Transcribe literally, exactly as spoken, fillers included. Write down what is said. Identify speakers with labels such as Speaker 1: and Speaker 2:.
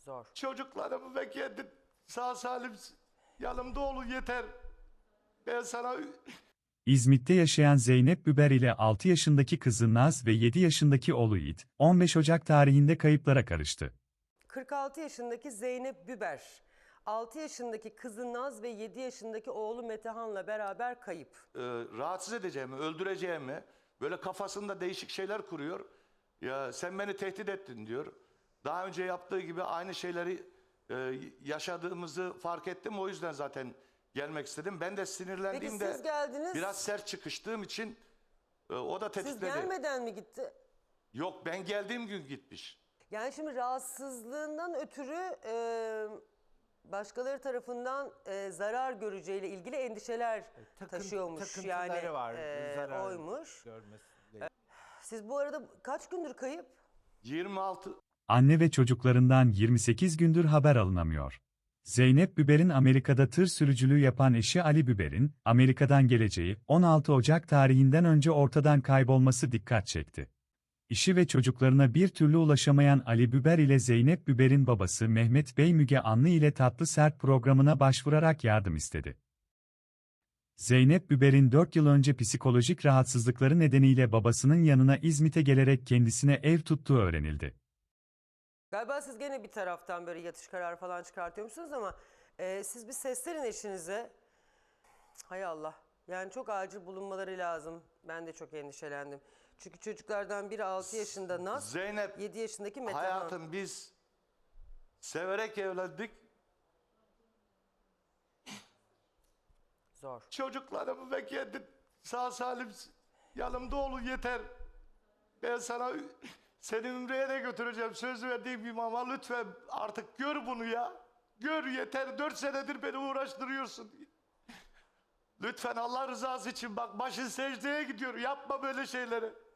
Speaker 1: Zor.
Speaker 2: Çocuklarımı ve kendi sağ salim yanımda olun yeter. Ben sana...
Speaker 3: İzmit'te yaşayan Zeynep Biber ile altı yaşındaki kızı Naz ve yedi yaşındaki oğlu Yiğit, on beş Ocak tarihinde kayıplara karıştı.
Speaker 1: kırk altı yaşındaki Zeynep Biber, altı yaşındaki kızı Naz ve yedi yaşındaki oğlu Metehan'la beraber kayıp.
Speaker 2: e, rahatsız edeceğimi, öldüreceğimi, böyle kafasında değişik şeyler kuruyor. Ya sen beni tehdit ettin diyor. Daha önce yaptığı gibi aynı şeyleri e, yaşadığımızı fark ettim. O yüzden zaten gelmek istedim. Ben de
Speaker 1: Peki
Speaker 2: sinirlendiğimde
Speaker 1: siz geldiniz,
Speaker 2: biraz sert çıkıştığım için e, o da
Speaker 1: siz
Speaker 2: tetikledi.
Speaker 1: gelmeden mi gitti?
Speaker 2: Yok, ben geldiğim gün gitmiş.
Speaker 1: Yani şimdi rahatsızlığından ötürü e, başkaları tarafından e, zarar göreceğiyle ilgili endişeler
Speaker 4: Takın-
Speaker 1: taşıyormuş.
Speaker 4: takıntıları
Speaker 1: Yani
Speaker 4: var,
Speaker 1: e,
Speaker 4: zarar
Speaker 1: oymuş.
Speaker 4: görmesiyle.
Speaker 1: Siz bu arada kaç gündür kayıp?
Speaker 2: yirmi altı
Speaker 3: Anne ve çocuklarından yirmi sekiz gündür haber alınamıyor. Zeynep Biber'in Amerika'da tır sürücülüğü yapan eşi Ali Biber'in, Amerika'dan geleceği on altı Ocak tarihinden önce ortadan kaybolması dikkat çekti. İşi ve çocuklarına bir türlü ulaşamayan Ali Biber ile Zeynep Biber'in babası Mehmet Bey Müge Anlı ile Tatlı Sert programına başvurarak yardım istedi. Zeynep Biber'in dört yıl önce psikolojik rahatsızlıkları nedeniyle babasının yanına İzmit'e gelerek kendisine ev tuttuğu öğrenildi.
Speaker 1: Galiba siz gene bir taraftan böyle yatış kararı falan çıkartıyormuşsunuz ama e, siz bir seslerin eşinize. Hay Allah. Yani çok acil bulunmaları lazım. Ben de çok endişelendim. Çünkü çocuklardan biri altı yaşında Naz,
Speaker 2: Zeynep,
Speaker 1: yedi yaşındaki Metehan.
Speaker 2: hayatım biz severek evlendik.
Speaker 1: Zor.
Speaker 2: Çocuklarımı ve kendi sağ salim yanımda olun yeter. Ben sana seni Ümre'ye de götüreceğim. Söz verdiğim gibi ama lütfen artık gör bunu ya. Gör yeter. Dört senedir beni uğraştırıyorsun. Lütfen Allah rızası için bak, başın secdeye gidiyor. Yapma böyle şeyleri.